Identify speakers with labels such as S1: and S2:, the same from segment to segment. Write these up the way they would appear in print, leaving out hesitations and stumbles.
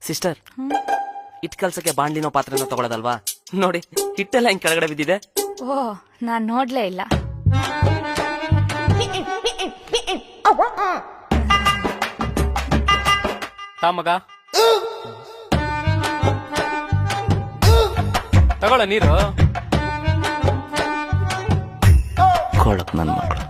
S1: Sister, hit ಕಲ್ಸಕ್ಕೆ ಬಾಂಡ್ಲಿನೋ ಪಾತ್ರೆನೋ ತಗೊಳ್ಳೋದಲ್ವಾ? ನೋಡಿ ಹಿಟ್ಟೆಲ್ಲ ಹಿಂಗ್ ಕೆಳಗಡೆ ಬಿದ್ದಿದೆ.
S2: ಓ, ನಾನ್ ನೋಡ್ಲೇ ಇಲ್ಲ.
S3: ತಾ ಮಗ, ತಗೊಳ್ಳ ನೀರು.
S1: ಕೊಳಕ್ ನನ್ ಮಕ್ಕಳು.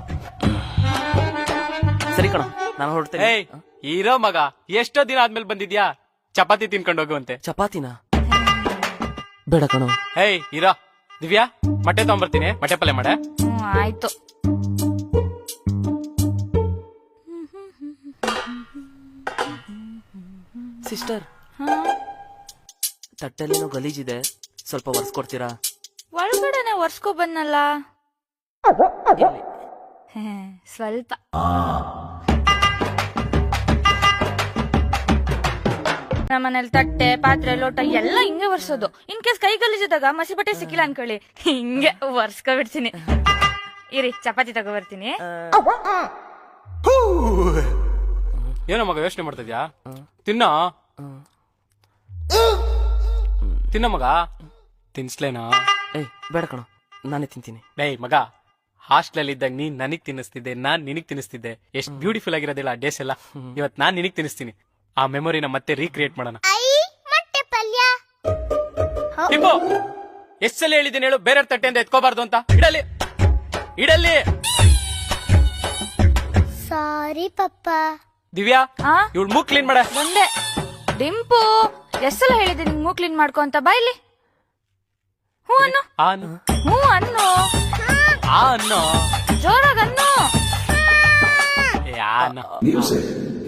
S1: ಸರಿ ಕಣ, ನಾನು ಹೊರಡ್ತೇನೆ.
S3: ಏಯ್, ಇರೋ ಮಗ, ಎಷ್ಟೋ ದಿನ ಆದ್ಮೇಲೆ ಬಂದಿದ್ಯಾ? ಚಪಾತಿ ತಿನ್ಕೊಂಡು ಹೋಗುವಂತೆ.
S1: ಚಪಾತಿನ ಬೇಡ ಕಣೋ.
S3: ಏಯ್ ಇರೋ. ದಿವ್ಯಾ, ಮೊಟ್ಟೆ ತಗೊಂಬರ್ತೀನಿ, ಮೊಟ್ಟೆ ಪಲ್ಯ ಮಾಡೆ.
S2: ಆಯ್ತು.
S1: ಸಿಸ್ಟರ್, ತಟ್ಟೆಲ್ಲೇನೋ ಗಲೀಜಿದೆ, ಸ್ವಲ್ಪ ಒರೆಸ್ಕೊಡ್ತೀರಾ?
S2: ಒಳಗಡೆನೆ ಒರ್ಸ್ಕೊ ಬಂದಲ್ಲ.
S1: ಎಲ್ಲಿ?
S2: ಸ್ವಲ್ಪ. ನಮ್ಮನೇಲಿ ತಟ್ಟೆ, ಪಾತ್ರೆ, ಲೋಟ ಎಲ್ಲ ಹಿಂಗೆ ಒರ್ಸೋದು. ಇನ್ ಕೇಸ್ ಕೈ ಗಲೀಜಿದಾಗ ಮಸಿ ಬಟ್ಟೆ ಸಿಕ್ಕಿಲ್ಲ ಅನ್ಕೊಳ್ಳಿ, ಹಿಂಗೆ ಒರ್ಸ್ಕೊ ಬಿಡ್ತೀನಿ. ಇರಿ, ಚಪಾತಿ ತಗೋ ಬರ್ತೀನಿ.
S3: ಏನೋ ಮಗ ಯೋಚನೆ ಮಾಡ್ತಿದ್ಯಾ? ತಿನ್ನ ತಿನ್ನ ಮಗ. ತಿನ್ಸ್ಲೇನಾ?
S1: ಏಯ್ ಬೇಡ ಕಣೋ, ನಾನೇ ತಿಂತೀನಿ.
S3: ಏಯ್ ಮಗ, ಹಾಸ್ಟೆಲ್ ಇದ್ದಾಗ ನೀನ್ ನನಗ್ ತಿನ್ನಿಸ್ತಿದ್ದೆ, ನಾನ್ ನಿನಗ್ ತಿನ್ನಿಸ್ತಿದ್ದೆ. ಎಷ್ಟ್ ಬ್ಯೂಟಿಫುಲ್ ಆಗಿರೋದಿಲ್ಲ ಆ ಡೇಸ್ ಎಲ್ಲ. ಇವತ್ ನಾನ್ ನಿನಗ್ ತಿನ್ನಿಸ್ತೀನಿ. ಆ ಮೆಮೊರಿನ ಮತ್ತೆ ರೀಕ್ರಿಯೇಟ್ ಮಾಡೋಣ. ಟಿಂಬು, ಎಷ್ಟ್ ಸಲ ಹೇಳಿದ್ದೀನಿ ಹೇಳು, ಬೇರೆ ತಟ್ಟೆಯಿಂದ ಎತ್ಕೋಬಾರ್ದು ಅಂತ. ಇಡಲಿ ಇಡಲಿ.
S4: ಸಾರಿ ಪಪ್ಪ.
S3: ದಿವ್ಯಾ, ಇವಳು ಮೂಗ್ ಕ್ಲೀನ್ ಮಾಡ.
S2: ಒಂದೇ ಡಿಂಪು, ಎಷ್ಟೆಲ್ಲ ಹೇಳಿದೆ ನಿಂಗ್ ಮೂಗ್ ಕ್ಲೀನ್ ಮಾಡ್ಕೊ ಅಂತ. ಬಾಯ್ಲಿ ಹ್ಞೂ ಅನ್ನು. ಹ್ಞೂ ಅನ್ನು.
S3: ಅನ್ನೋ
S2: ಜೋರಾಗ ಅನ್ನು.
S3: ಯಾ